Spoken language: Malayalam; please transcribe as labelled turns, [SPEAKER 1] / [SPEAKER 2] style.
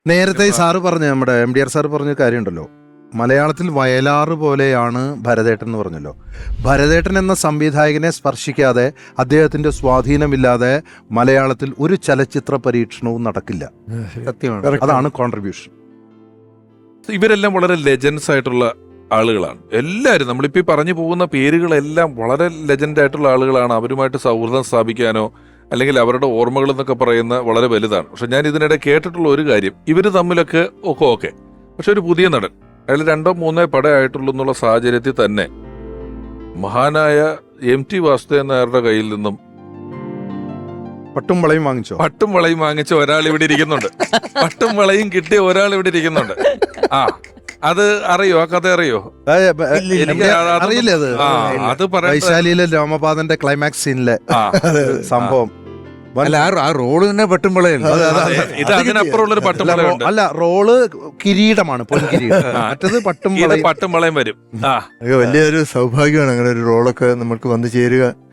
[SPEAKER 1] നേരത്തെ സാറ് പറഞ്ഞ നമ്മുടെ MDR സാറ് പറഞ്ഞ കാര്യമുണ്ടല്ലോ, മലയാളത്തിൽ വയലാറ് പോലെയാണ് ഭരതേട്ടൻ എന്ന് പറഞ്ഞല്ലോ. ഭരതേട്ടൻ എന്ന സംവിധായകനെ സ്പർശിക്കാതെ, അദ്ദേഹത്തിന്റെ സ്വാധീനമില്ലാതെ മലയാളത്തിൽ ഒരു ചലച്ചിത്ര പരീക്ഷണവും നടക്കില്ല.
[SPEAKER 2] സത്യമാണ്.
[SPEAKER 1] അതാണ് കോൺട്രിബ്യൂഷൻ.
[SPEAKER 3] ഇവരെല്ലാം വളരെ ലെജൻസ് ആയിട്ടുള്ള ആളുകളാണ്. എല്ലാവരും നമ്മളിപ്പോൾ പറഞ്ഞു പോകുന്ന പേരുകളെല്ലാം വളരെ ലെജൻഡ് ആയിട്ടുള്ള ആളുകളാണ്. അവരുമായിട്ട് സൗഹൃദം സ്ഥാപിക്കാനോ അല്ലെങ്കിൽ അവരുടെ ഓർമ്മകൾ എന്നൊക്കെ പറയുന്ന വളരെ വലുതാണ്. പക്ഷെ ഞാൻ ഇതിനിടെ കേട്ടിട്ടുള്ള ഒരു കാര്യം, ഇവർ തമ്മിലൊക്കെ ഓക്കെ, പക്ഷെ ഒരു പുതിയ നടൻ അയാൾ 2-3 പടമായിട്ടുള്ളൂ എന്നുള്ള സാഹചര്യത്തിൽ തന്നെ മഹാനായ MT വാസുദേവൻ നായരുടെ കയ്യിൽ നിന്നും
[SPEAKER 1] പട്ടും വളയും വാങ്ങിച്ചോ?
[SPEAKER 3] പട്ടും വളയും വാങ്ങിച്ച ഒരാൾ ഇവിടെ ഇരിക്കുന്നുണ്ട്. പട്ടും വളയും കിട്ടിയ ഒരാൾ ഇവിടെ ഇരിക്കുന്നുണ്ട്. അത് അറിയോ? ആ കഥ അറിയോ?
[SPEAKER 1] അറിയില്ലേ അത്?
[SPEAKER 3] അത് പറയാം.
[SPEAKER 1] വൈശാലിയിലെ രാമപാദന്റെ ക്ലൈമാക്സ് സീനിലെ സംഭവം.
[SPEAKER 2] അല്ല, ആ റോള് തന്നെ പട്ടുംപളയല്ല.
[SPEAKER 3] ഇത് അതിനപ്പുറമുള്ളൊരു പട്ടും വളയുണ്ട്.
[SPEAKER 1] അല്ല, റോള് കിരീടമാണ്, പൊൻകിരീടം. മറ്റത് പട്ടും
[SPEAKER 3] പട്ടും വളയും വരും.
[SPEAKER 2] വലിയൊരു സൗഭാഗ്യമാണ് അങ്ങനെ ഒരു റോളൊക്കെ നമുക്ക് വന്നു ചേരുക.